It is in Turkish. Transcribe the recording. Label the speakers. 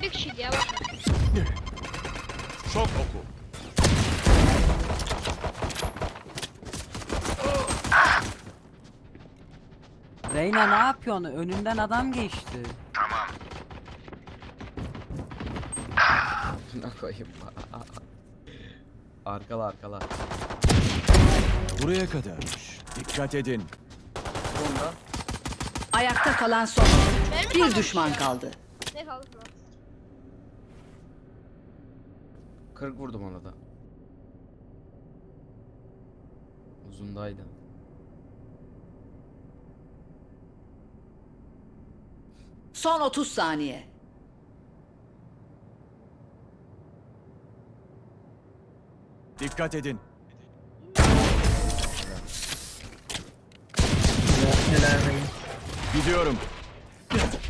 Speaker 1: Bir kişiydi ya bak.
Speaker 2: Şok oku.
Speaker 3: Reyna ne yapıyorsun? Önünden adam geçti.
Speaker 4: Ne koyayım? Arkala arkala.
Speaker 2: Buraya kadarmış. Dikkat edin.
Speaker 4: Bunda.
Speaker 5: Ayakta kalan son.
Speaker 1: Benim mi
Speaker 5: Bir
Speaker 1: kalmış
Speaker 5: düşman
Speaker 1: ya?
Speaker 5: kaldı.
Speaker 1: Ne kaldı lan?
Speaker 4: 40 vurdum ona da. Uzundaydı.
Speaker 5: Son 30 saniye.
Speaker 2: Dikkat edin. Gidiyorum.